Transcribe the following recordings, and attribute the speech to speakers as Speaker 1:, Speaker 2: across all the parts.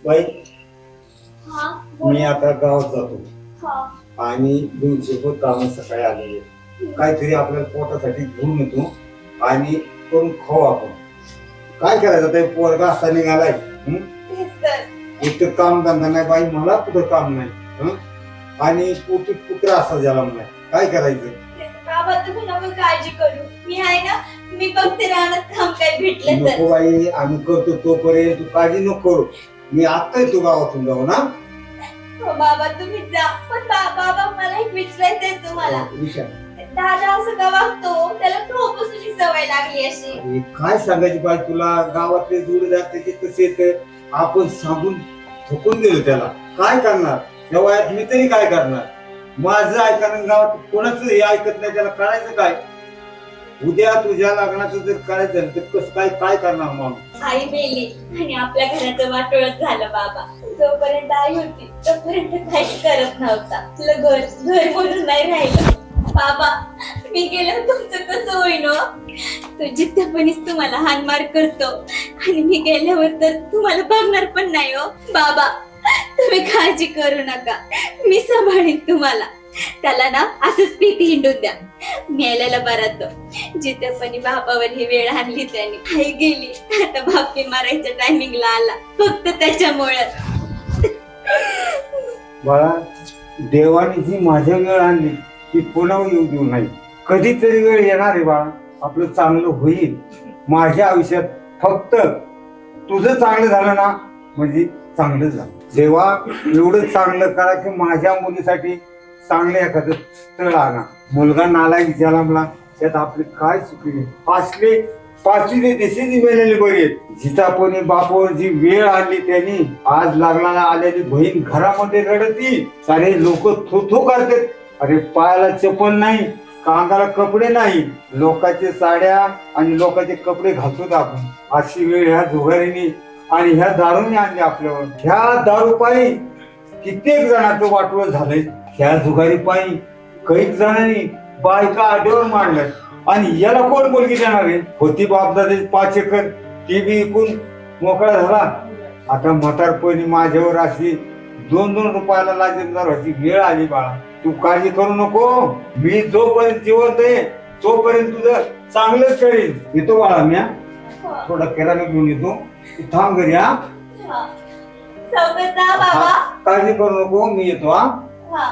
Speaker 1: बाई
Speaker 2: हा
Speaker 1: मी आता गावात जातो
Speaker 2: हा
Speaker 1: आणि दिवशी काम सकाळी आलेले काहीतरी आपल्याला पोटासाठी घेऊन येतो आणि करून खाऊ आपण. काय करायचं ते पोरगा असा निघालाय.
Speaker 2: तेच तर
Speaker 1: एक तर काम धंदा नाही बाई, मला कुठं काम नाही. आणि पोटी पुत्र असा झाला नाही. काय करायचं?
Speaker 2: बाबा तुम्ही नको काळजी करू, मी आहे ना. मी बघते राहण्यात काम काय भेटलं तर.
Speaker 1: नको बाई, आम्ही करतो तोपर्यंत तू काळजी नको करू. मी आता येतो गावातून जाऊ ना.
Speaker 2: हो बाबा तुम्ही जा, पण बाबा मला एक विचारायचंय तुम्हाला. दादा असं का वागतो? त्याला खूपच सवय लागली अशी.
Speaker 1: अरे काय सांगायची बाई तुला, गावातले जोडीदार त्याचे कसे येत, आपण सांगून थकून दिलं त्याला. काय करणार त्या वयात मी तरी काय करणार. माझं ऐकणं गावात कोणाचं हे ऐकत नाही, त्याला करायचं काय. उद्या तुझ्या लग्नाचं जर करायचं झालं तर कसं काय काय करणार माणूस.
Speaker 2: आई मेली आणि आपल्या घराचं वाटोळच झालं बाबा. जोपर्यंत आई होती तोपर्यंत काही करत नव्हता. तुला घर म्हणून नाही राहिलं. बाबा मी गेल्यावर तुमचं कसं होईन? तो जिद्दपणीच तुम्हाला हानमार करतो आणि मी गेल्यावर तर तुम्हाला बघणार पण नाही हो. बाबा तुम्ही काळजी करू नका, मी सांभाळीन तुम्हाला. त्याला ना असंच पीती हिंडून द्या, मेलेला बरा तो. जिद्दपणी बाबावर ही वेळ आणली त्याने. आई गेली, आता बापी मारायच्या टायमिंगला आला फक्त त्याच्यामुळे.
Speaker 1: बाळा, देवाने जी माझ्या वेळ आणली ती पुन्हा येऊ देऊ नाही. कधीतरी वेळ येणार आहे बाळा, आपलं चांगलं होईल. माझ्या आयुष्यात फक्त तुझं चांगलं झालं ना म्हणजे चांगलं झालं. देवा एवढं चांगलं करा की माझ्या मुलीसाठी चांगलं एखादं स्थळ आणा. मुलगा नालायक जन्मला त्यात आपली काय चुकी. असले पाचवी देशाची मेलेली बरी आहेत. जितापणी बापावर जी वेळ आणली त्यांनी, आज लग्नाला आलेली बहीण घरामध्ये रडती, सारे लोक थो करतात. अरे पायाला चप्पल नाही, कांगाला कपडे नाही, लोकांचे साड्या आणि लोकांचे कपडे घालतो आपण. अशी वेळ ह्या जुगारीने आणि ह्या दारूने आणली आपल्यावर. ह्या दारूपायी कित्येक जणांचं वाटोळ झालंय. ह्या जुगारी पायी कैक जणांनी बायका आड्यावर मांडल्यात. आणि याला कोण मुलगी देणार आहे? होती बापदादाची 5 एकर, ती बी विकून मोकळा झाला. आता म्हातारपणी माझ्यावर अशी 2-2 रुपयाला लाजेदार व्हायची वेळ आली. बाळा तू काळजी करू नको, मी जोपर्यंत जिवंत आहे तोपर्यंत तुझं चांगलंच करीन. येतो बाळा, मी थोडा किराणा घेऊन येतो. तू थांब घरी. हा
Speaker 2: सवकत जा बाबा.
Speaker 1: काळजी करू नको, मी येतो.
Speaker 2: हा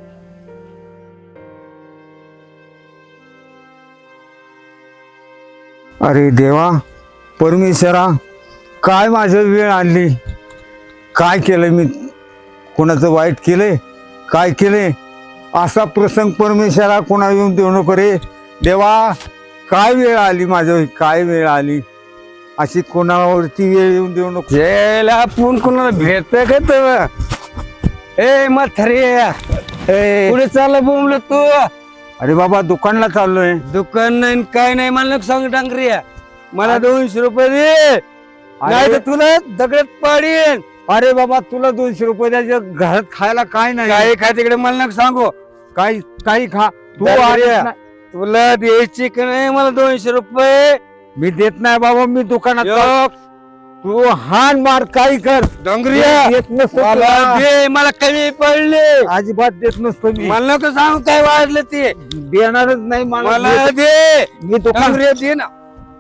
Speaker 1: अरे देवा, परमेश्वरा, काय माझं वेळ आणली. काय केलंय मी, कोणाचं वाईट केलंय, काय केलंय. असा प्रसंग परमेश्वरा कोणा येऊन देऊ नको रे देवा. काय वेळ आली माझं, काय वेळ आली. अशी कोणावरती वेळ येऊन देऊ नको.
Speaker 3: यायला आपण कोणाला भेटतोय का तर? ए म्हातारे, पुढे चाललं बोंबल तू?
Speaker 1: अरे बाबा दुकानला चाललोय.
Speaker 3: दुकान नाही काय नाही, मला नको सांग डांगरी. मला 200 रुपये दे, नाही तर तुला दगडात पाडीन.
Speaker 1: अरे बाबा तुला 200 रुपये द्यायचे, घरात खायला काय नाही.
Speaker 3: काय खा तिकडे, मला नको सांगू.
Speaker 1: काही काही खा तू.
Speaker 3: डांगऱ्या, तुला द्यायची का नाही मला 200 रुपये?
Speaker 1: मी देत नाही बाबा, मी दुकानात
Speaker 3: यो,
Speaker 1: तू हान मार काही कर.
Speaker 3: डांगरिया,
Speaker 1: देत नसतो
Speaker 3: मला
Speaker 1: तुला.
Speaker 3: दे, मला कमी पडले.
Speaker 1: अजिबात देत नसतो मी.
Speaker 3: मला नको सांगू काय वाढलं ते.
Speaker 1: देणारच नाही
Speaker 3: मला दे,
Speaker 1: मी दुकान.
Speaker 3: डांगरिया दे ना.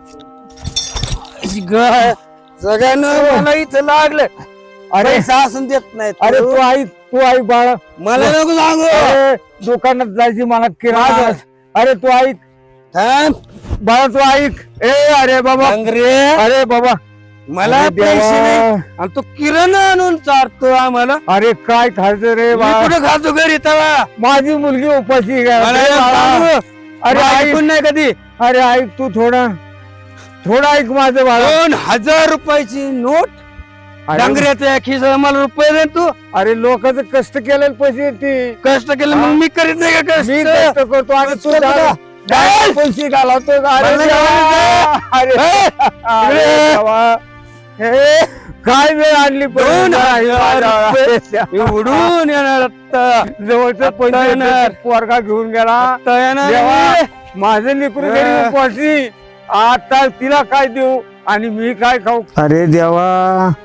Speaker 3: सगळ्यांना मला इथं लागलं.
Speaker 1: अरे
Speaker 3: पैसा असून देत नाही.
Speaker 1: अरे तू ऐक बाळा,
Speaker 3: मला नको सांगू.
Speaker 1: अरे, दुकानात जायची मला किराणा. अरे तू ऐक
Speaker 3: थांब.
Speaker 1: बाळा, तू ऐक. अरे बाबा,
Speaker 3: डांगरिया,
Speaker 1: अरे बाबा,
Speaker 3: मला
Speaker 1: अरे देवा.
Speaker 3: पैसे नाही आणि तू किराणा आणून चारतो आम्हाला.
Speaker 1: अरे काय खायचं रे
Speaker 3: मी
Speaker 1: बाळा.
Speaker 3: कुठं खातो घरी तवा?
Speaker 1: माझी मुलगी उपाशी आहे.
Speaker 3: मला
Speaker 1: अरे
Speaker 3: नको
Speaker 1: बाळा.
Speaker 3: सांगू.
Speaker 1: अरे ऐक,
Speaker 3: ऐकून नाही कधी.
Speaker 1: अरे ऐक तू थोडं ऐक माझं बाळा.
Speaker 3: 2000 रुपयाची नोट
Speaker 1: अरे,
Speaker 3: डांगऱ्याच्या खिसा मला रुपये दे तू.
Speaker 1: अरे लोकांचं कष्ट केलेले पैसे येते.
Speaker 3: कष्ट केलं मग मी करीत नाही का
Speaker 1: मी
Speaker 3: कष्ट?
Speaker 1: कष्ट करतो आणि तू
Speaker 3: कष्ट
Speaker 1: दारू- दारू पैसे घालवतो. अरे
Speaker 3: मला
Speaker 1: देवा. अरे
Speaker 3: हे,
Speaker 1: अरे
Speaker 3: इकडे.
Speaker 1: देवा. हे, काय वेळ आणली पण.
Speaker 3: 2000 रुपये उडून येणार आता.
Speaker 1: जवळचं
Speaker 3: आता
Speaker 1: पैसे
Speaker 3: येणार.
Speaker 1: पोरगा घेऊन गेला.
Speaker 3: आता येणार
Speaker 1: देवा,
Speaker 3: मी.
Speaker 1: माझं लेकरू घरी उपाशी. आता तिला काय देऊ आणि मी काय खाऊ. अरे देवा,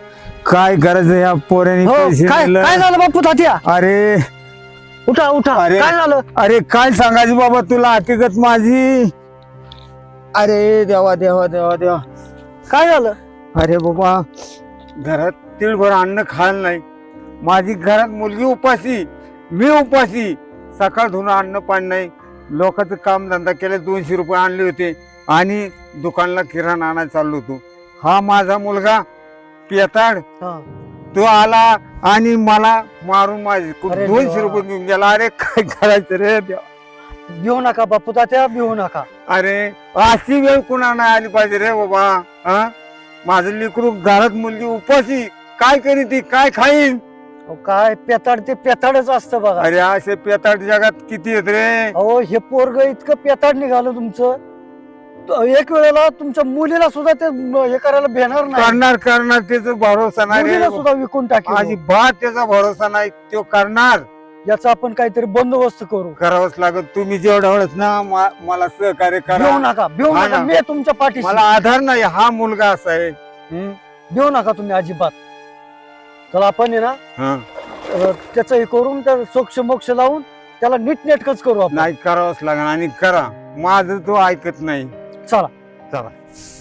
Speaker 1: काय करायचं या पोराने
Speaker 3: हो
Speaker 1: पैसे
Speaker 3: काय
Speaker 1: दिलं.
Speaker 3: काय झालं बापू तात्या
Speaker 1: अरे
Speaker 3: उठा उठा
Speaker 1: अरे.
Speaker 3: काय झालं
Speaker 1: अरे काय सांगायचं बाबा तुला हकीकत माझी. अरे देवा देवा देवा देवा.
Speaker 3: काय झालं
Speaker 1: अरे बाबा घरात तिळभर अन्न खायला नाही. माझी घरात मुलगी उपाशी, मी उपाशी. सकाळ धुणं अन्न पाणी नाही. लोकांचं काम धंदा केले, 200 रुपये आणले होते आणि दुकानला किराणा आणायला चाललो होतो. हा माझा मुलगा पेताड
Speaker 3: हा.
Speaker 1: तो आला आणि मला मारून माझे
Speaker 3: अरे
Speaker 1: 200
Speaker 3: देवा.
Speaker 1: रुपये घेऊन गेला. अरे काय करायचं रे देवा.
Speaker 3: भिवू नका बापू तात्या भिवू नका
Speaker 1: अरे अशी वेळ कुणा नाही आली पाहिजे रे बाबा. हा माझं लेकरू घरात मुलगी उपाशी काय करी ती काय खाईन.
Speaker 3: अहो, काय पेताड ते पेताडच असतं बघा.
Speaker 1: अरे असे पेताड जगात किती आहेत रे.
Speaker 3: अहो हे पोरग इतकं पेताड निघालं तुमचं एक वेळेला तुमच्या मुलीला सुद्धा ते हे करायला भेणार नाही.
Speaker 1: करणार करणार त्याचा भरोसा नाही रे.
Speaker 3: मुलीला सुद्धा विकून टाकेल
Speaker 1: अजिबात त्याचा भरोसा नाही. तो करणार.
Speaker 3: याचा आपण काहीतरी बंदोबस्त करू.
Speaker 1: करावंच लागत. तुम्ही जेवढ्या वेळेस ना मला सहकार्य
Speaker 3: भिवू
Speaker 1: करा.
Speaker 3: नका भिवू
Speaker 1: हा
Speaker 3: नका
Speaker 1: ना.
Speaker 3: मी तुमच्या पाठीशी.
Speaker 1: मला आधार नाही. हा मुलगा असा आहे.
Speaker 3: भिवू नका तुम्ही अजिबात. चला आपण आहे ना
Speaker 1: हा.
Speaker 3: त्याचं हे करून त्या सोक्ष मोक्ष लावून त्याला नीटनेटकच करू आपण.
Speaker 1: नाही करावंच लागणार आणि करा. माझं तो ऐकत नाही.
Speaker 3: चला
Speaker 1: चला.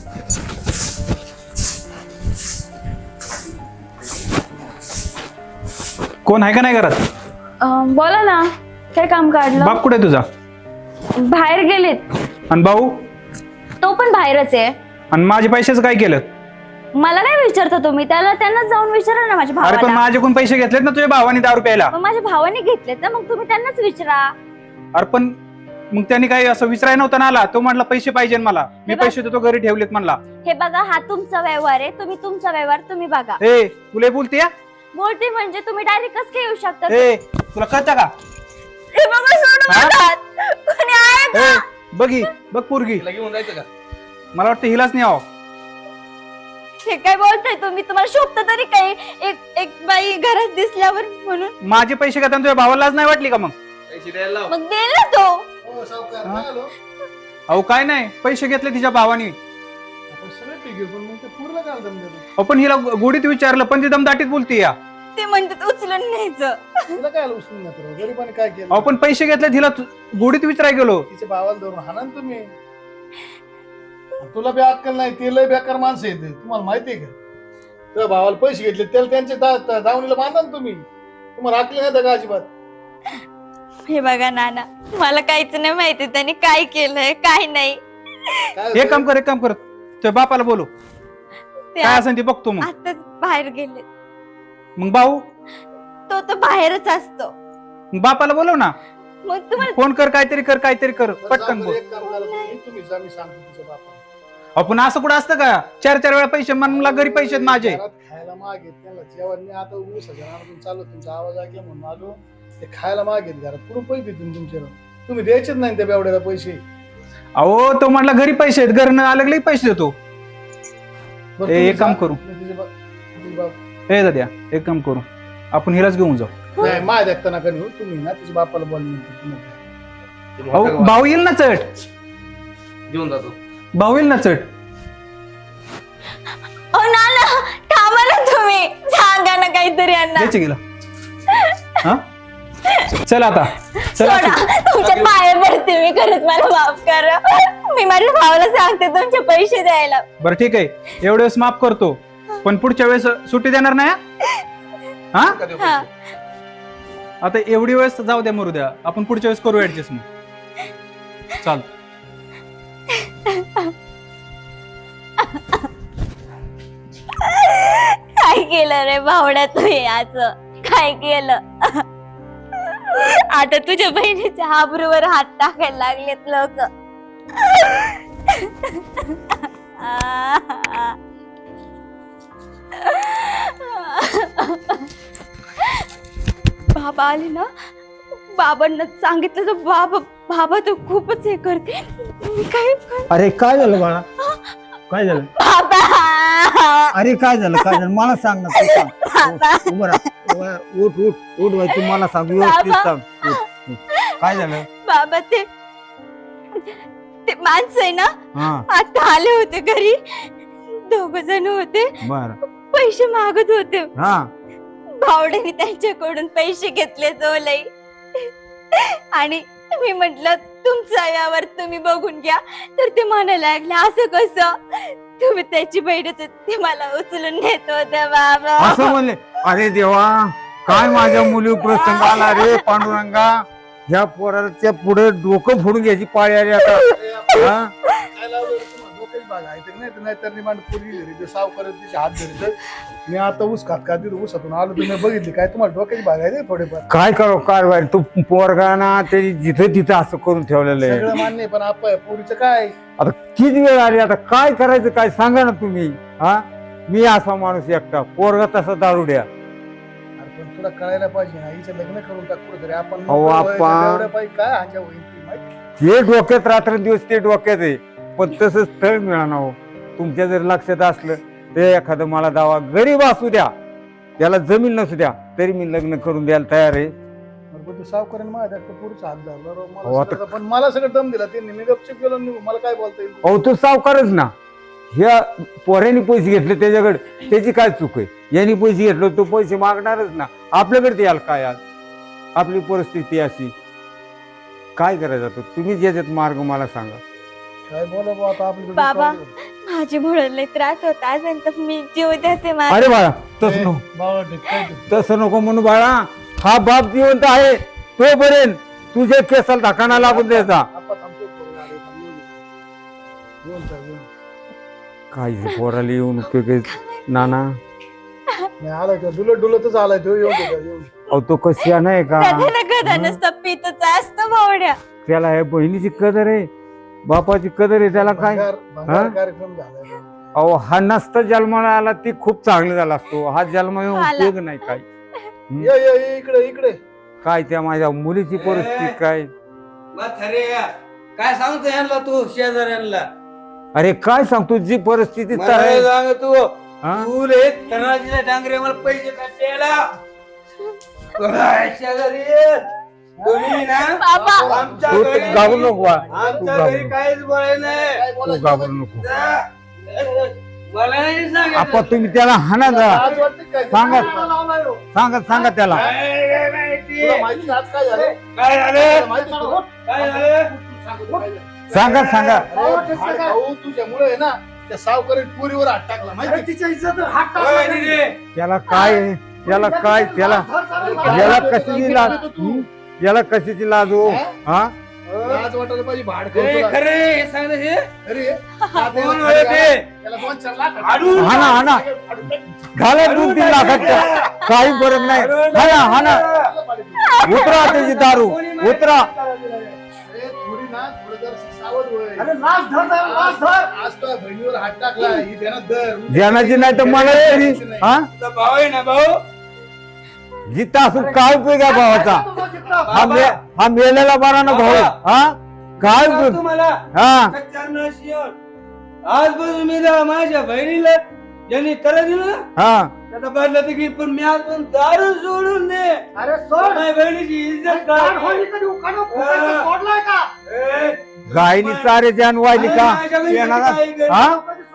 Speaker 4: कोण आहे का नाही घरात?
Speaker 2: बोला ना, काय काम काढलं?
Speaker 4: बाप कुठे तुझा?
Speaker 2: बाहेर गेलेत.
Speaker 4: आणि भाऊ?
Speaker 2: तो पण बाहेरच आहे.
Speaker 4: आणि माझे पैशाचं काय केलं?
Speaker 2: मला काय विचारता तुम्ही? त्यांनाच जाऊन विचारा ना माझ्या
Speaker 4: अरे पण
Speaker 2: भावाला.
Speaker 4: माझ्याकडून पैसे घेतलेत ना तुझ्या भावाने दारू प्यायला.
Speaker 2: मग माझ्या भावाने घेतलेत ना, मग तुम्ही त्यांनाच विचारा.
Speaker 4: अरे पण मग त्यांनी काही असं विचाराय नव्हतं ना आला. तो म्हटला पैसे पाहिजे मला. मी
Speaker 2: हे बघ.
Speaker 4: पैसे देतो घरी ठेवलेत म्हणला.
Speaker 2: हे बघा, हा तुमचा व्यवहार आहे. तुम्ही तुमचा व्यवहार तुम्ही बघा.
Speaker 4: ए तुला बोलते या?
Speaker 2: बोलते म्हणजे तुम्ही डायरेक्ट कसं काय येऊ शकता?
Speaker 4: ए तुला कळतं का?
Speaker 2: हे बघा, सोडून
Speaker 4: हा?
Speaker 2: बघा. कोणी आहे का?
Speaker 4: ए बघी बघ पोरगी. मला वाटतं हिलाच नाही आहो.
Speaker 2: हे काय बोलताय तुम्ही? तुम्हाला शोभत तरी काही एक बाई घरात दिसल्यावर म्हणून?
Speaker 4: माझे पैसे घेताना तुझ्या भावाला लाज नाही वाटली का मग?
Speaker 2: मग दे ना तो.
Speaker 4: अहो काय नाही पैसे घेतले तिच्या भावाने. अहो पण हिला गोडीत विचारलं पण ती दमदाटीत बोलते या.
Speaker 2: ते म्हणतात उचलून न्यायचं.
Speaker 5: काय केलं
Speaker 4: अहो पण पैसे घेतले तिला गोडीत विचाराय गेलो.
Speaker 5: तिच्या भावाला धरून हाना ना तुम्ही. तुला बी अक्कल नाही. ते लय बेकार माणसं आहेत. तुम्हाला माहितीये का? तुझ्या भावाला पैसे घेतले त्याला त्यांच्या दावणीला बांधा ना तुम्ही. तुम्हाला अक्कल नाही का अजिबात?
Speaker 2: हे बघा नाना, मला काहीच नाही माहिती त्यांनी काय केलंय काय नाही.
Speaker 5: काय
Speaker 4: एक काम कर तुझ्या बापाला बोलू.
Speaker 2: ते
Speaker 4: काय असेल ते बघतो मग.
Speaker 2: आताच बाहेर गेले.
Speaker 4: मग भाऊ?
Speaker 2: तो बाहेरच असतो.
Speaker 4: मग बापाला बोलव ना.
Speaker 2: मग तुम्हाला
Speaker 4: फोन कर काहीतरी कर पटकन बोल.
Speaker 5: एक काम करा तुम्ही जा, मी सांगतो तुझ्या बापाला.
Speaker 4: आपण असं कुठं असतं का? 4 वेळा पैसे मला घरी पैसे आहेत माझे.
Speaker 5: घरात खायला मागेत त्याला जेवण नाही. आता ऊस चालू तुमचा आवाज ऐकला म्हणून आलो. ते खायला मागेत घरात. कुठून पैसे देतील तुमच्या? तुम्ही द्यायचेच नाही त्या बेवड्याला पैसे.
Speaker 4: अहो तो म्हटला घरी पैसे आहेत. घरनं आलं की पैसे देतो.
Speaker 5: बरं,
Speaker 4: ए,
Speaker 5: तुम्ही
Speaker 4: एक काम
Speaker 5: जा.
Speaker 4: करू.
Speaker 5: मी तुझे बाप
Speaker 4: हे दाद्या एक काम करू. आपण हिलाच घेऊन जाऊ.
Speaker 5: नाही माय देखता नका नेऊ. तुम्ही ना तुझ्या बापाला बोल.
Speaker 4: अहो भाऊ येईल ना चट.
Speaker 6: घेऊन जातो.
Speaker 4: भाऊ येईल ना चट.
Speaker 2: ओ नाना, थांबा ना तुम्ही. सांगा ना काहीतरी यांना.
Speaker 4: द्यायचे गेला. हा चल आता चल.
Speaker 2: सोडा, तुमच्या पाया पडते मी. खरंच मला माफ करा. मी माझ्या भावाला सांगते तुमचे पैसे द्यायला.
Speaker 4: बरं ठीक आहे. एवढ्या वेळेस माफ करतो पण पुढच्या वेळेस सुट्टी देणार नाही हा?
Speaker 2: हा.
Speaker 4: आता एवढी वेळेस जाऊ द्या मरू द्या. आपण पुढच्या वेळेस करू ऍडजस्ट मग. चाल.
Speaker 2: काय केलं रे भावड्या तू याच? काय केलं? आता तुझ्या बहिणीच्या आबरूवर हात टाकायला लागलेत लोक. बाबा आले ना, बाबांना सांगितलं तर बाबा तर खूपच हे करते. मी काय
Speaker 1: अरे काय झालं बाळा? काय झालं?
Speaker 2: बाबा
Speaker 1: अरे काय झालं मला सांग ना. तू सांग. उभं राहा. उठ बाई. तू मला सांग. व्यवस्थित सांग. उठ. काय झालं?
Speaker 2: बाबा ते माणसं आहे ना,
Speaker 1: हा
Speaker 2: आता आले होते घरी. दोघ जण होते,
Speaker 1: बर
Speaker 2: पैसे मागत होते.
Speaker 1: हा
Speaker 2: भावड्याने त्यांच्याकडून पैसे घेतले लई. आणि मी म्हंटल तुमचा यावर तुम्ही बघून घ्या. तर ते म्हणायला लागले असं कसं, तुम्ही त्याची बहीणच आहेत, ते मला उचलून नेत होते बाबा.
Speaker 1: असं म्हणले. अरे देवा, काय माझ्या मुली प्रसंग आला रे पांडुरंगा. ह्या पोराच्या पुढे डोकं फोडून घ्यायची पाळी आली आता. हा?
Speaker 5: काय लावलं रे तुम्हाला? डोक्याची बाग आहे तर नाही तर नाहीतर निमांड पोरगी घरी ते सावकार तिचे हात धरत. मी आता ऊस खात ऊसातून आलो, तुम्ही बघितली काय तुम्हाला डोक्याची बाग आहे रे थोडेफार.
Speaker 1: काय करो कारवाई तू पोरगा ना ते जिथे तिथे असं करून ठेवलेलं आहे.
Speaker 5: सगळं मान्य आहे, पण आपण पोरीचं काय
Speaker 1: आता किती वेळ आली, आता काय करायचं काय सांगा ना तुम्ही. हा मी असा माणूस एकटा, पोरगा तसा दारुड्या.
Speaker 5: अरे पण तुला कळायला पाहिजे ना, हिचं लग्न करून टाक कुठेतरी आपण.
Speaker 1: अहो, आपण-
Speaker 5: एवढ्या पाहिजे काय हांच्या होईल ती माहिती.
Speaker 1: हे डोक्यात रात्रंदिवस ते डोक्यात आहे, पण तसं स्थळ मिळाना हो. तुमच्या जर लक्षात असलं ते एखादं मला दावा गरीब असू द्या, त्याला जमीन नसू द्या, तरी मी लग्न करून द्यायला तयार आहे.
Speaker 5: अरे पण तू सावकाराने माझ्या पुढचा हात धरला राव.
Speaker 1: अहो,
Speaker 5: मला
Speaker 1: आता-
Speaker 5: सगळं- पण मला सगळं दम दिला त्यांनी. मी गपचिप गेलो निघून. मला काय बोलता येईल?
Speaker 1: अहो तू सावकारच ना. ह्या पोऱ्याने पैसे घेतले त्याच्याकडे, त्याची काय चूक आहे. यांनी पैसे घेतले तो पैसे मागणारच ना. आपल्याकडे याल काय आज, आपली परिस्थिती अशी. काय करायचं आता? तुम्ही ज्याच्यात मार्ग मला सांगा.
Speaker 5: काय बोला बुवा आता आपल्याकडे
Speaker 2: बाबा.
Speaker 5: काय-
Speaker 2: माझी म्हणून लई त्रास होता असेल तर मी जीव देते माझा.
Speaker 1: अरे बाळा तसं नको,
Speaker 5: बाबा ठीक, काय ते?
Speaker 1: तसं नको म्हणू बाळा. हा बाप जिवंत आहे तोपर्यंत तुझ्या केसाला धकाना लागून द्यायचा.
Speaker 5: आपण थांबतो पोरं आले, थांबलो. येऊन जा, येऊन.
Speaker 1: काय पोराला येऊन उपयोग आहे, नाना.
Speaker 5: नाही आलाय तो डुलतच आलाय तो. येऊन दे, येऊन दे.
Speaker 1: अहो तो कशी नाही का,
Speaker 2: गदा नसतं पितच असतं भावड्या.
Speaker 1: त्याला हे बहिणीची कदर आहे, बापाची कदर आहे. त्याला काय
Speaker 5: भंगार
Speaker 1: हा?
Speaker 5: कार्यक्रम झालाय.
Speaker 1: अहो हा नसता जन्माला आला ती खूप चांगला झाला असतो. हा जन्म येऊन
Speaker 2: आला.
Speaker 1: उपयोग नाही काय.
Speaker 5: ये ये ये, इकडे इकडे.
Speaker 1: काय त्या माझ्या मुलीची परिस्थिती काय.
Speaker 3: म्हातारे, काय सांगतो यांना तू शेजाऱ्यांना?
Speaker 1: अरे काय सांगतो जी परिस्थिती तर
Speaker 3: मला
Speaker 1: आहे.
Speaker 3: सांग तू,
Speaker 1: हा?
Speaker 3: तू रे तनाजीला डांगरे मला पैसे द्यायला. काय शेजारी तुम्ही ना
Speaker 2: बाबा.
Speaker 3: आमच्या
Speaker 1: तू
Speaker 3: घरी-
Speaker 1: घाबरू नको बा. तू
Speaker 3: आमच्या
Speaker 1: घाबरू
Speaker 3: घरी
Speaker 1: नको.
Speaker 3: काहीच बोलायला नाही.
Speaker 5: काय
Speaker 1: तू
Speaker 5: बोलायचं?
Speaker 1: घाबरू नको.
Speaker 3: मला नाही
Speaker 1: आपण
Speaker 3: सांगायचं.
Speaker 1: तुम्ही त्याला हाना जा.
Speaker 5: आज वाटतं काय?
Speaker 1: सांगा.
Speaker 5: तुला लावलाय हो.
Speaker 1: सांगा त्याला.
Speaker 3: काय माहिती?
Speaker 5: तुला माहिती आज काय झालं?
Speaker 3: काय झालं?
Speaker 5: तुला माहिती का?
Speaker 3: काय झालं?
Speaker 1: सांगा
Speaker 5: अरे भाऊ, तुझ्यामुळे आहे ना त्या सावकारी पुरीवर हात टाकला माहिती? तिच्या इज्जत हात
Speaker 3: होय दिदी.
Speaker 1: त्याला काय आहे? त्याला काय त्याला याला कशाची लाज, याला कशाची लाज हो. हा
Speaker 5: आज वाटायला पाहिजे भाड
Speaker 3: ए,
Speaker 5: करतो.
Speaker 3: खरे हे सांग ना हे.
Speaker 5: अरे
Speaker 3: कोण होय ते?
Speaker 5: त्याला 2-4 लाख
Speaker 3: हाडून.
Speaker 1: हाना घाला 2-3 लाखात काही फरक नाही. हाना उतरा त्याची दारू उतरा.
Speaker 5: अरे थोडी ना थोडं जर सावध होय. आज तो बहिणीवर हात टाकला ही देणार दर
Speaker 1: ज्ञानाची नाही तर मला तरी हा
Speaker 3: तुझा भाऊ आहे ना भाऊ?
Speaker 1: जिथं असून काय उपयोग आहे भावाचा. हा मेलेला बरा ना भाऊ. हा काय
Speaker 3: सांगतो
Speaker 1: उपयोग.
Speaker 3: मला
Speaker 1: हा
Speaker 3: कच्च्यानं शिवण. आजपासून मी जा माझ्या बहिणीला ज्यांनी तर दिलं ना
Speaker 1: हा
Speaker 3: त्याचा बदला तर घेईल, पण मी आजपासून दारू सोडून दे.
Speaker 5: अरे सोड
Speaker 3: माझ्या बहिणीची इज्जत काय?
Speaker 5: सोडलाय का
Speaker 3: ए,
Speaker 1: गायनी चारे जान वाहिली का
Speaker 3: माझ्या बहिणीची
Speaker 1: येणारा
Speaker 3: काही गरज
Speaker 1: हा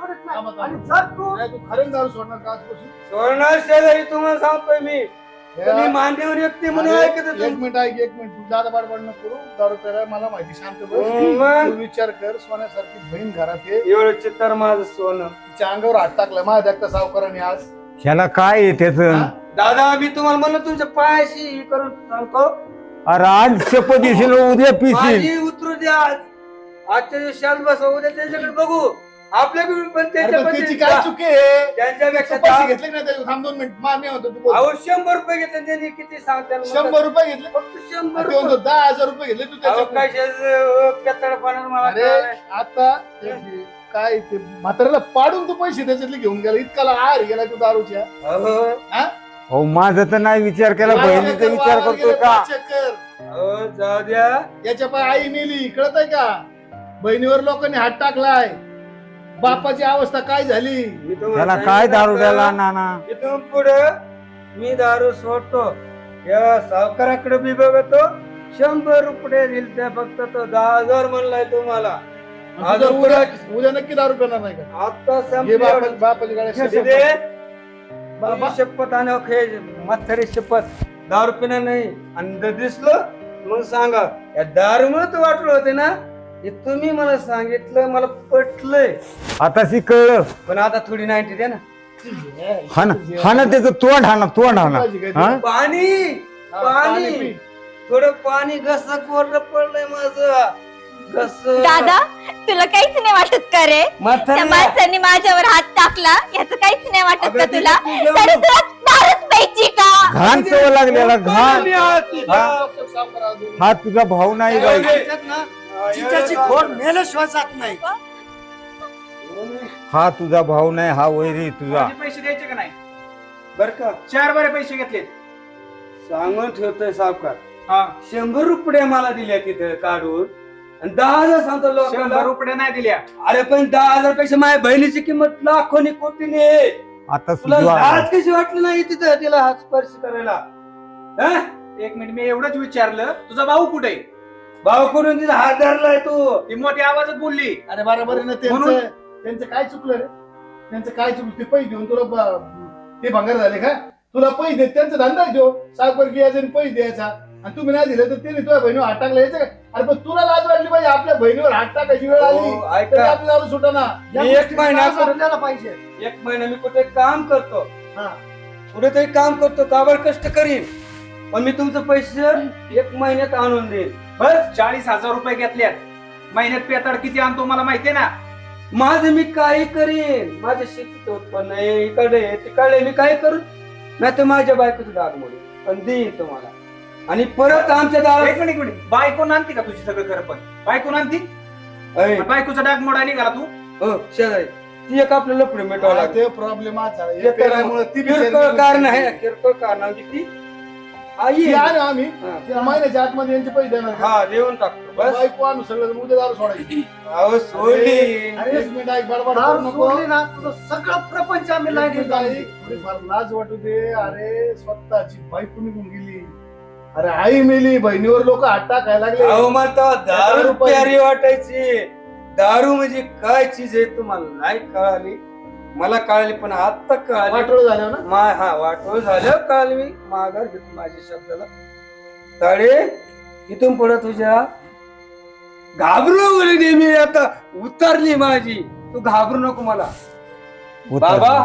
Speaker 5: नाही, तू खरंच दारू सोडणार का आजपासून?
Speaker 3: सोडणार शेजारी तुम्हाला सांगतोय मी. तुम्ही मान्यवर व्यक्ती म्हणून
Speaker 5: अरे,
Speaker 3: ऐकत
Speaker 5: एक मिनिट ऐक, एक मिनिट. तू जादा बाडबाड नको करू. दारू प्यायला मला माहिती. शांत बस.
Speaker 3: मग?
Speaker 5: तू विचार कर. सोन्यासारखी बहीण घरात आहे.
Speaker 3: एवढं चित्तर माझं सोनं.
Speaker 5: तिच्या अंगावर हात टाकला माझ्या देखता सावकाराने आज.
Speaker 1: ह्याला काय आहे त्याच.
Speaker 5: हा?
Speaker 3: दादा मी तुम्हाला म्हणलं तुमच्या पायाशी हे करून सांगतो.
Speaker 1: अरे आज शपथ दिसेल उद्या पिशील.
Speaker 3: माझी उतरू द्या आज. आजच्या दिवसात बसवा, उद्या त्याच्याकडे बघू. आपल्याकडे पण
Speaker 5: अरे,
Speaker 3: त्याच्या
Speaker 5: पण त्याची
Speaker 3: पद्धतीने
Speaker 5: काय चुकी आहे?
Speaker 3: त्यांच्यापेक्षा
Speaker 5: पैसे घेतले की नाही त्याचे? थांब 2 मिनिट. मामी होतो तू बोल.
Speaker 3: अहो 100 रुपये घेतले त्यांनी, किती सांगता
Speaker 5: 100 रुपये घेतले.
Speaker 3: फक्त 100
Speaker 5: ते म्हणतो
Speaker 3: रुपये.
Speaker 5: 10,000 रुपये घेतले तू
Speaker 3: अहो
Speaker 5: त्याच्या.
Speaker 3: पेतडपणा मला
Speaker 5: अरे
Speaker 3: कळालंय.
Speaker 5: आता काय ते म्हाताऱ्याला पाडून तू पैसे त्याच्यातले घेऊन गेला. इतका आर गेला तू दारूच्या.
Speaker 3: अहो,
Speaker 1: हो माझा तर नाही विचार केला. बहिणीचा विचार करतोय का.
Speaker 3: अहो, जाऊ द्या.
Speaker 5: याच्या पाय आई मेली कळत आहे का? बहिणीवर लोकांनी हात टाकलाय. बापाची अवस्था काय झाली?
Speaker 3: मी तुम्हाला
Speaker 1: त्याला काय दारू
Speaker 3: सांगितलं
Speaker 1: द्यायला
Speaker 3: का?
Speaker 1: नाना.
Speaker 3: इथून पुढे मी दारू सोडतो. या सावकाराकडे मी बघतो. 100 रुपये दिल त्या फक्त तो 10,000 म्हणलाय तुम्हाला.
Speaker 5: आणि तुझं उद्या नक्की दारू पिणार नाही का
Speaker 1: आता
Speaker 5: हे
Speaker 1: संपलं.
Speaker 5: बापाची गाडी
Speaker 1: दे.
Speaker 5: बाबा
Speaker 1: शपथ आणि म्हातारी शपथ दारू पिणार नाही आणि जर दिसलं मग सांगा या दारूमुळे तू वाटलं होते ना हे तुम्ही मला सांगितलं मला पटलंय आता कळलं पण आता थोडी 90 द्या ना हा ना त्याचं तोंड हा ना हा? पाणी पाणी थोडं पाणी घस कोरडं पडलंय माझं घस
Speaker 2: दादा तुला काहीच नाही वाटत का रे त्या माणसांनी माझ्यावर हात टाकला याचं काहीच नाही वाटत का
Speaker 1: अगं,
Speaker 2: तुला
Speaker 1: तिथे तुझं
Speaker 2: तरी तुला दारूच प्यायची का
Speaker 1: घाण सवय लागलेला घाण हा तुझा भाऊ नाही बाई
Speaker 3: चिंचाची खोड मेल्याशिवाय जात नाही.
Speaker 1: हा तुझा भाऊ नाही हा वैरी तुझा
Speaker 4: माझे पैसे द्यायचे का नाही
Speaker 1: बर का
Speaker 4: 4 बरे पैसे घेतलेत.
Speaker 1: सांगून ठेवतोय सावकार
Speaker 4: हा
Speaker 1: 100 रुपये मला दिल्या तिथे काढून आणि 10,000 सांगतो
Speaker 4: 100
Speaker 1: लोकांना
Speaker 4: रुपये नाही दिल्या.
Speaker 1: अरे पण 10,000 पेक्षा माझ्या बहिणीची किंमत लाखोनी कोटीने आता तुला लाज कशी वाटली नाही तिथं तिला हात स्पर्श करायला हा?
Speaker 4: 1 मिनिट मी एवढंच विचारलं तुझा भाऊ कुठे
Speaker 1: भाऊ करून तिचा हात धरलाय तू
Speaker 4: ती मोठ्या आवाजात बोलली.
Speaker 5: अरे बरोबर आहे ना
Speaker 4: म्हणून?
Speaker 5: त्यांचं काय चुकलं रे त्यांचं काय चुकलं ते पैसे देऊन तुला ते भंगार झाले का तुला पैसे देत त्यांचा धंदा देऊ साखर घ्यायचा आणि पैसे द्यायचा आणि तुम्ही नाही दिले तर त्याने तुझ्या बहिणीवर हात टाकला यायचं का अरे पण तुला लाज वाटली पाहिजे आपल्या बहिणीवर हात टाकायची वेळ आली
Speaker 1: हो,
Speaker 5: तरी
Speaker 1: ऐका
Speaker 5: आपल्याला सुटा ना
Speaker 1: मी एक महिना
Speaker 3: समजायला पाहिजे.
Speaker 1: 1 महिना मी कुठे काम करतो
Speaker 5: हा.
Speaker 1: कुठेतरी काम करतो काबर कष्ट करीन पण मी तुमचं पैसे 1 महिन्यात आणून देईन बस
Speaker 4: 40,000 रुपये घेतल्यात. महिन्यात पेताड किती आणतो मला माहितीये ना.
Speaker 1: माझं मी काही करीन माझ्या शेतीचं उत्पन्न आहे इकडे आहे, तिकडे आहे, मी काय करू नाही तर माझ्या बायकोचं डाग मोडून पण देईन तुम्हाला आणि परत आमच्या दारात
Speaker 4: एक मिनिट बायको आणती का तुझी सगळं खरं पण बायको आणती
Speaker 1: अय,
Speaker 4: बायकोचा डाग मोडा निघाला तू.
Speaker 1: हो, शेजारी ती एक आपलं लपडे मिटवावं लागेल
Speaker 5: ते प्रॉब्लेम आज झाला
Speaker 1: ते
Speaker 5: हे
Speaker 1: तर
Speaker 5: पेरामुळे ती
Speaker 1: किरकोळ कारण आहे किरकोळ कारणाची ती आई
Speaker 5: ती
Speaker 1: आहे.
Speaker 5: आणू आम्ही
Speaker 1: हा.
Speaker 5: त्या महिन्याच्या आतमध्ये यांचे पैसे देणार का?
Speaker 1: हा देऊन टाकतो बस
Speaker 5: बायको आणू सगळं उद्या दारू सोडायची
Speaker 1: अहो सोडली
Speaker 5: एक मिनिट ऐक बडबड
Speaker 3: दारू
Speaker 5: करू नको
Speaker 3: सोडली ना तुझं सगळं प्रपंच आम्ही लाईनीत घालू.
Speaker 5: थोडीफार लाज वाटू दे अरे स्वतःची बायको निघून गेली अरे आई मेली बहिणीवर लोक हात टाकायला लागले
Speaker 1: अहो मला दारू
Speaker 5: रुपये.
Speaker 1: प्यारी वाटायची दारू म्हणजे काय चीज आहे तुम्हाला नाही कळाली मला कळाली पण आता कळाली
Speaker 5: वाटोळ झालं ना
Speaker 1: हा वाटोळ झालं कळाली मी माघार घेतो माझ्या शब्दाला ताडे इथून पुढे तुझ्या घाबरू नेहमी आता उतरली माझी तू घाबरू नको मला बाबा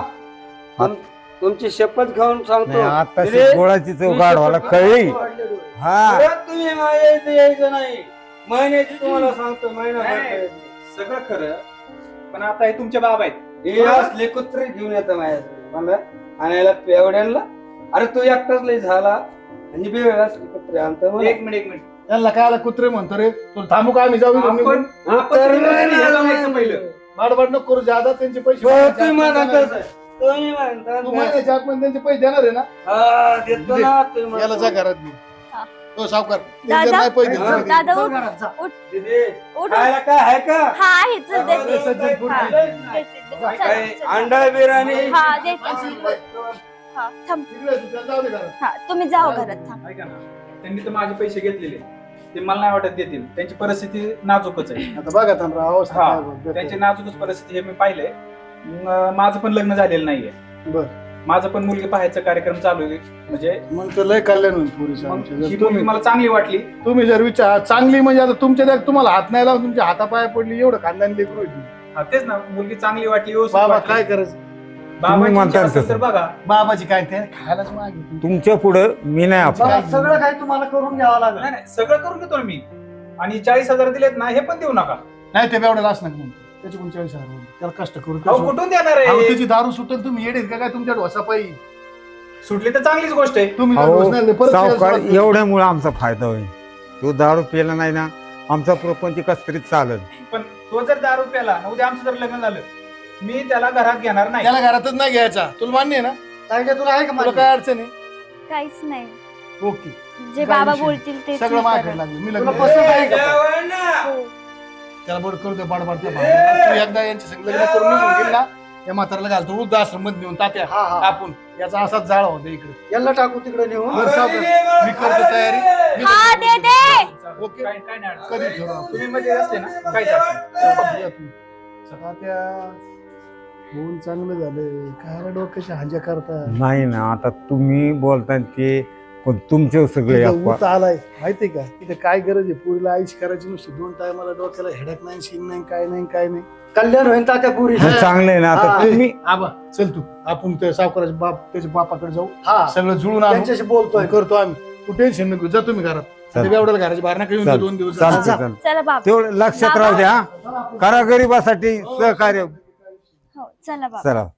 Speaker 1: तुमची शपथ घेऊन सांगतो
Speaker 7: आता
Speaker 1: दिदी,
Speaker 7: गोळाची चव
Speaker 1: तुम्ही
Speaker 7: गाढवाला
Speaker 1: शपथ
Speaker 7: कळली
Speaker 1: घेऊन
Speaker 7: हा
Speaker 1: परत तुम्ही यायचं नाही महिन्याची तुम्हाला सांगतो महिना
Speaker 4: नाही. सगळं खरं पण आता हे तुमचे बाबा आहेत.
Speaker 1: हे असले कुत्रे घेऊन येतं माझ्याकडे मला आणायला पेवड्यांना अरे तू एकटाच लय झाला आणि बे असले कुत्रे आणतो मला.
Speaker 4: एक मिनिट
Speaker 5: त्यांना काय कुत्रे म्हणतो रे तुला थांबू का आम्ही जाऊ इथून निघून?
Speaker 1: तर
Speaker 4: ह्याला जायचं पहिलं.
Speaker 5: बाडबाड नको करू ज्यादा त्यांचे पैसे
Speaker 1: हो,
Speaker 5: महिन्याच्या
Speaker 1: तुम्ही
Speaker 5: आतमध्ये
Speaker 1: म्हणता
Speaker 5: देणार.
Speaker 1: तसं. तुम्ही म्हणता
Speaker 5: तू
Speaker 1: तसं.
Speaker 5: महिन्याच्या आतमध्ये त्यांचे पैसे देणार आहे ना
Speaker 1: हा, देतो ना तुम्ही
Speaker 5: याला जा
Speaker 1: म्हणता.
Speaker 5: घरात घेऊन
Speaker 2: हा.
Speaker 5: तो सावकार
Speaker 2: दादा?
Speaker 5: त्यांचे नाही पैसे
Speaker 1: हा.
Speaker 5: देत.
Speaker 2: दादा
Speaker 3: चल
Speaker 2: उठ
Speaker 3: घरात जा.
Speaker 1: दीदी,
Speaker 2: उठ
Speaker 1: खायला काय आहे का
Speaker 2: हा आहे चल देते
Speaker 5: सज्जन फूड
Speaker 2: हा,
Speaker 5: खायला.
Speaker 2: देते, देते. चल,
Speaker 1: काय
Speaker 2: चल.
Speaker 1: अंडा बिर्याणी
Speaker 2: हा देते
Speaker 5: माणसं इकडे.
Speaker 2: हा थांब
Speaker 5: इकडे तू त्याला जाऊ दे घरात.
Speaker 2: हा तुम्ही जाओ घरात थांब
Speaker 4: ऐका ना त्यांनी तर माझे पैसे घेतलेले ते मला नाही वाटत देतील त्यांची परिस्थिती नाजूकच आहे.
Speaker 5: आता बघा थांबरा अवस्था
Speaker 4: हा,
Speaker 5: काय बघ.
Speaker 4: त्यांची नाजूकच परिस्थिती हे मी पाहिलंय. माझं पण लग्न झालेलं नाहीये.
Speaker 5: बर
Speaker 4: माझं पण मुलगी पाहायचा कार्यक्रम चालू आहे म्हणजे
Speaker 5: मग तर लय कल्याण होईल पुरीचं
Speaker 4: मग
Speaker 5: आमच्या.
Speaker 4: ही
Speaker 5: जर
Speaker 4: मुलगी
Speaker 5: तुम्ही
Speaker 4: मला चांगली वाटली.
Speaker 5: तुम्ही जर विचार चांगली म्हणजे आता तुमच्या त्या तुम्हाला हात नाही लावून तुमच्या हातापाया पडली एवढं खानदानी लेकरू होती
Speaker 4: हा, तेच ना मुलगी चांगली वाटली व्यवस्थित
Speaker 5: बाबा
Speaker 4: वाटली.
Speaker 5: काय करायचं
Speaker 4: बाबाची
Speaker 7: म्हणता
Speaker 4: इच्छा असेल
Speaker 7: तसं.
Speaker 4: तर बघा
Speaker 5: बाबाची काय ते खायलाच मागे
Speaker 7: तुमच्या पुढं मी नाही आपण
Speaker 3: मला सगळं काही तुम्हाला करून घ्यावं लागेल.
Speaker 4: नाही नाही सगळं करून घेतो ना मी आणि 40,000 दिलेत ना हे पण देऊ नका.
Speaker 5: नाही ते एवढं लाच नका त्याची कोण 40,000 त्याला कष्ट करू
Speaker 4: अहो कुठून देणार
Speaker 5: अहो,
Speaker 4: आहे
Speaker 5: त्याची दारू सुटेल तुम्ही येडेत का काय तुमच्या ढोसा पायी
Speaker 4: सुटली तर चांगलीच गोष्ट आहे.
Speaker 5: तुम्ही जर
Speaker 7: अहो,
Speaker 5: ढोस नाही दिले, परत
Speaker 7: सावकार
Speaker 5: त्याला सुरुवात
Speaker 7: एवढ्यामुळे आमचा फायदा होईल तो दारू पिला नाही ना आमचा प्रपंच कस तरी चालत
Speaker 4: पण तो जर दारू प्याला उद्या आमचं जर लग्न झालं मी त्याला घरात घेणार
Speaker 5: करू.
Speaker 4: नाही.
Speaker 5: त्याला घरातच नाही घ्यायचा तुला मान्य आहे ना
Speaker 3: ताईडे तुला आहे का
Speaker 5: तुला
Speaker 3: माझी?
Speaker 5: काय अडचण आहे
Speaker 2: काहीच नाही
Speaker 5: ओके
Speaker 2: जे
Speaker 5: काय
Speaker 2: बाबा
Speaker 5: विषय?
Speaker 2: बोलतील ते
Speaker 5: सगळं माझ्याकडे लागलं मी
Speaker 3: तुला
Speaker 5: लग्न
Speaker 3: पसंत आहे का?
Speaker 1: जेवण ना.
Speaker 2: हो.
Speaker 5: त्याला बड करू दे बाडबाड त्या भावाला. तू एकदा यांच्या संग लग्न करून निघून गेली ना या म्हाताऱ्याला घालतो वृद्ध आश्रम मध्ये नेऊन तात्या
Speaker 3: हा, हा.
Speaker 5: आपण याचा असाच जाळ होता इकडे
Speaker 3: याला टाकू तिकडे नेऊन
Speaker 5: बरं, सावकार. मी करतो तयारी. मी
Speaker 2: हा,
Speaker 5: करतो.
Speaker 2: दे, दे.
Speaker 5: ओके.
Speaker 4: काय काय नाही अडचण.
Speaker 5: कधी ठेवू आपण?
Speaker 4: तुम्ही मध्ये असले ना काहीच अडचण नाही.
Speaker 5: या तुम्ही. तात्या होऊन चांगलं झालं काय डोक्याच्या हांज्या करता
Speaker 7: नाही ना आता तुम्ही बोलता ते पण तुमचे सगळे अफवा.
Speaker 5: ऊत आलाय माहितीये का तिथे काय गरज आहे पुरीला आईश करायची नुसती 2 टायमाला डोक्याला हेडक नाही शिन नाही काय नाही
Speaker 3: कल्याण होईन तात्या पुरी
Speaker 7: चांगलं आहे ना आता
Speaker 3: हा.
Speaker 7: तुम्ही
Speaker 5: आबा चल तू आपण त्या सावकाराच्या बाप त्याच्या बापाकडे जाऊ
Speaker 3: हा
Speaker 5: सगळं जुळून आणू
Speaker 3: त्यांच्याशी बोलतोय
Speaker 5: करतो आम्ही तू टेन्शन नको जा तुम्ही घरात
Speaker 7: चालतंय.
Speaker 5: एवढ्याला घराच्या बाहेर नका येऊन
Speaker 7: चालतंय.
Speaker 5: 2 दिवस
Speaker 7: चालतंय,
Speaker 5: जा.
Speaker 7: चालतंय.
Speaker 2: चला बाबा
Speaker 7: तेवढं लक्षात राहू द्या हा. करा गरिबासाठी सहकार्य
Speaker 2: हो चला बाबा
Speaker 7: चला